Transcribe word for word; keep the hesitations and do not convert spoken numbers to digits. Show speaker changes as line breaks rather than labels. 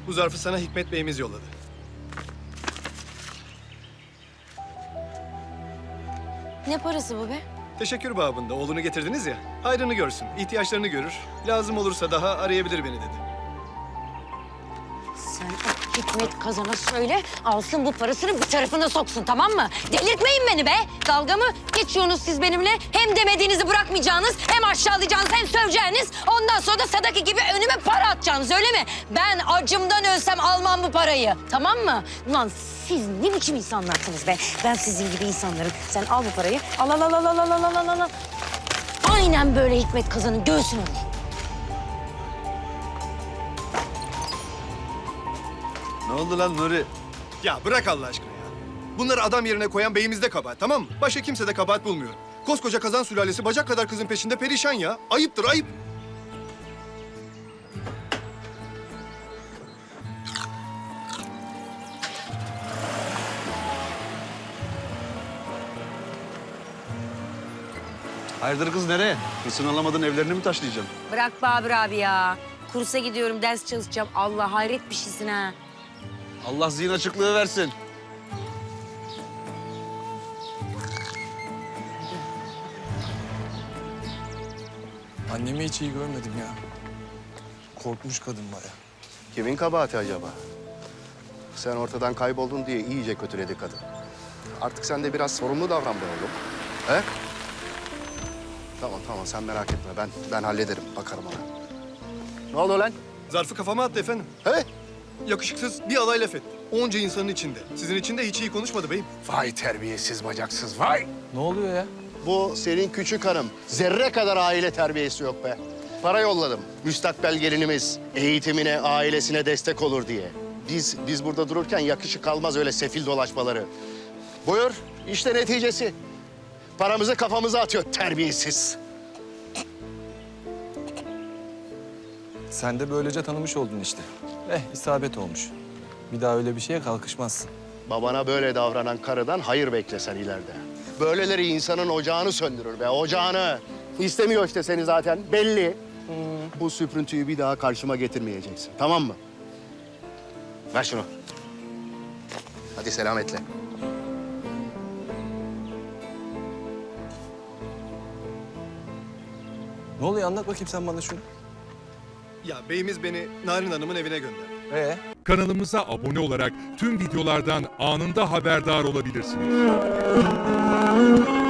Bu zarfı sana Hikmet Bey'imiz yolladı.
Ne parası bu be?
Teşekkür babında oğlunu getirdiniz ya. Hayrını görsün, ihtiyaçlarını görür. Lazım olursa daha arayabilir beni dedi.
Sen o Hikmet Kazan'a söyle, alsın bu parasını bir tarafına soksun, tamam mı? Delirtmeyin beni be! Dalga mı geçiyorsunuz siz benimle? Hem demediğinizi bırakmayacağınız, hem aşağılayacağınız, hem söveceğiniz. Ondan sonra da Sadaki gibi önüme para atacaksınız, öyle mi? Ben acımdan ölsem almam bu parayı, tamam mı? Ulan siz ne biçim insanlarsınız be? Ben sizin gibi insanlarım. Sen al bu parayı, al al al al al al al al al al. Aynen böyle Hikmet Kazan'ın göğsüne vur.
Ne oldu lan Nuri?
Ya bırak Allah aşkına ya. Bunları adam yerine koyan beyimizde kabahat, tamam mı? Başka kimse de kabahat bulmuyor. Koskoca Kazan sülalesi bacak kadar kızın peşinde perişan ya. Ayıptır, ayıp.
Hayırdır kız nereye? Hırsını alamadın evlerini mi taşlayacaksın?
Bırak Babür abi ya. Kursa gidiyorum, ders çalışacağım. Allah hayret bir şeysin ha.
Allah zihin açıklığı versin.
Annemi hiç iyi görmedim ya. Korkmuş kadın baya.
Kimin kabahati acaba? Sen ortadan kayboldun diye iyice kötüledi kadın. Artık sen de biraz sorumlu davran be oğlum. He? Tamam tamam sen merak etme ben ben hallederim bakarım ona. Ne oldu lan?
Zarfı kafama attı efendim.
He?
Yakışıksız bir alay laf etti. Onca insanın içinde. Sizin için de hiç iyi konuşmadı beyim.
Vay terbiyesiz bacaksız vay.
Ne oluyor ya?
Bu senin küçük hanım. Zerre kadar aile terbiyesi yok be. Para yolladım. Müstakbel gelinimiz eğitimine, ailesine destek olur diye. Biz biz burada dururken yakışık almaz öyle sefil dolaşmaları. Buyur, işte neticesi. Paramızı kafamıza atıyor terbiyesiz.
Sen de böylece tanımış oldun işte. Eh, isabet olmuş. Bir daha öyle bir şeye kalkışmazsın.
Babana böyle davranan karıdan hayır beklesen ileride. Böyleleri insanın ocağını söndürür be, ocağını. İstemiyor işte seni zaten, belli. Bu süprüntüyü bir daha karşıma getirmeyeceksin, tamam mı? Ver şunu. Hadi selametle.
Ne oluyor? Anlat bakayım sen bana şunu.
Ya beyimiz beni Narin Hanım'ın evine gönderdi.
Ee?
Kanalımıza abone olarak tüm videolardan anında haberdar olabilirsiniz.